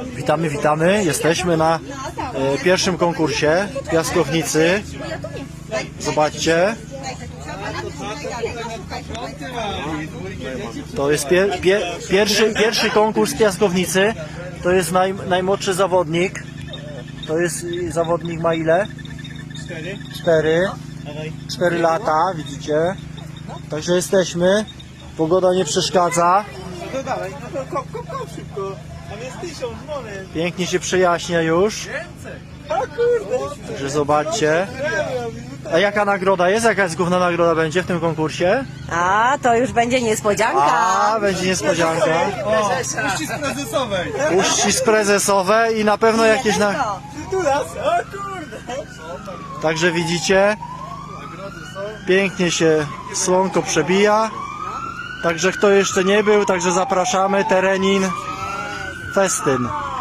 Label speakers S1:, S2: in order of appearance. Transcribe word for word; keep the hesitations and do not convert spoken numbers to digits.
S1: Witamy, witamy. Jesteśmy na e, pierwszym konkursie piaskownicy. Zobaczcie. To jest pier, pier, pierwszy, pierwszy konkurs piaskownicy. To jest naj, najmłodszy zawodnik. To jest zawodnik ma ile?
S2: Cztery.
S1: Cztery. Cztery lata, widzicie. Także jesteśmy. Pogoda nie przeszkadza.
S2: No to dawaj, no to kop, kop, kop szybko. Tam jest tysiąc monet.
S1: Pięknie się przejaśnia już.
S2: A kurde.
S1: Także zobaczcie. A jaka nagroda jest? Jaka jest główna nagroda będzie w tym konkursie?
S3: A, to już będzie niespodzianka.
S1: A, będzie niespodzianka.
S2: Uścisk prezesowej.
S1: Uścisk prezesowe i na pewno jakieś na...
S2: Tu nas, o kurde.
S1: Także widzicie, pięknie się słonko przebija. Także kto jeszcze nie był, także zapraszamy, Terenin Festyn.